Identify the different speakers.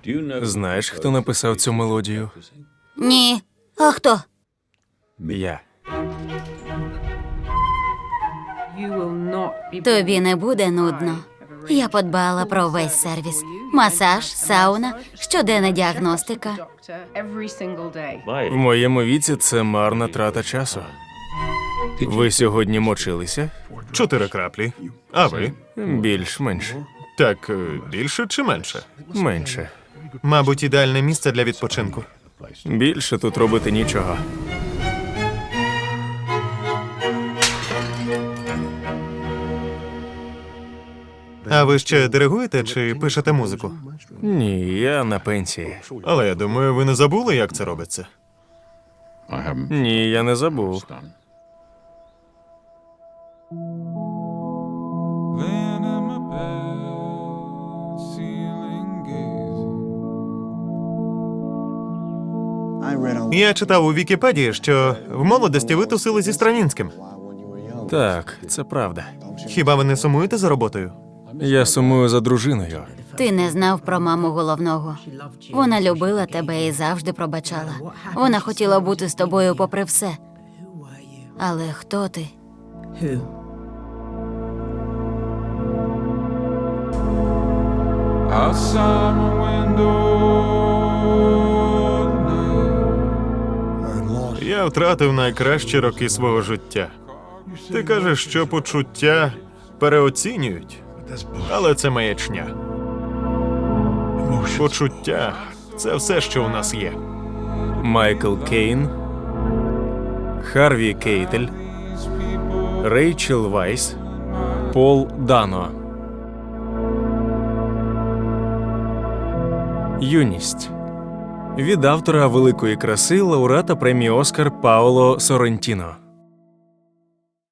Speaker 1: Знаєш, хто написав цю мелодію?
Speaker 2: Ні. А хто?
Speaker 1: Я.
Speaker 2: Тобі не буде нудно. Я подбала про весь сервіс. Масаж, сауна, щоденна діагностика.
Speaker 1: В моєму віці це марна трата часу. Ви сьогодні мочилися?
Speaker 3: 4 краплі. А ви?
Speaker 1: Більш-менш.
Speaker 3: Так, більше чи менше?
Speaker 1: Менше.
Speaker 3: Мабуть, ідеальне місце для відпочинку.
Speaker 1: Більше тут робити нічого.
Speaker 3: А ви ще диригуєте чи пишете музику?
Speaker 1: Ні, я на пенсії.
Speaker 3: Але я думаю, ви не забули, як це робиться.
Speaker 1: Ні, я не забув.
Speaker 4: Laying in my bed, ceiling gazing.
Speaker 3: Я читав у Вікіпедії, що в молодості ви тусили зі Стравінським.
Speaker 1: Так, це правда.
Speaker 3: Хіба ви не сумуєте за роботою?
Speaker 1: Я сумую за дружиною.
Speaker 2: Ти не знав про маму головного. Вона любила тебе і завжди пробачала. Вона хотіла бути з тобою попри все. Але хто ти?
Speaker 4: Outside my window tonight.
Speaker 3: Я втратив найкращі роки свого життя. Ти кажеш, що почуття переоцінюють, але це маячня. Почуття – це все, що у нас є.
Speaker 1: Майкл Кейн, Харві Кейтель, Рейчел Вайс, Пол Дано. Юність. Від автора великої краси лауреата премії Оскар Паоло Соррентіно.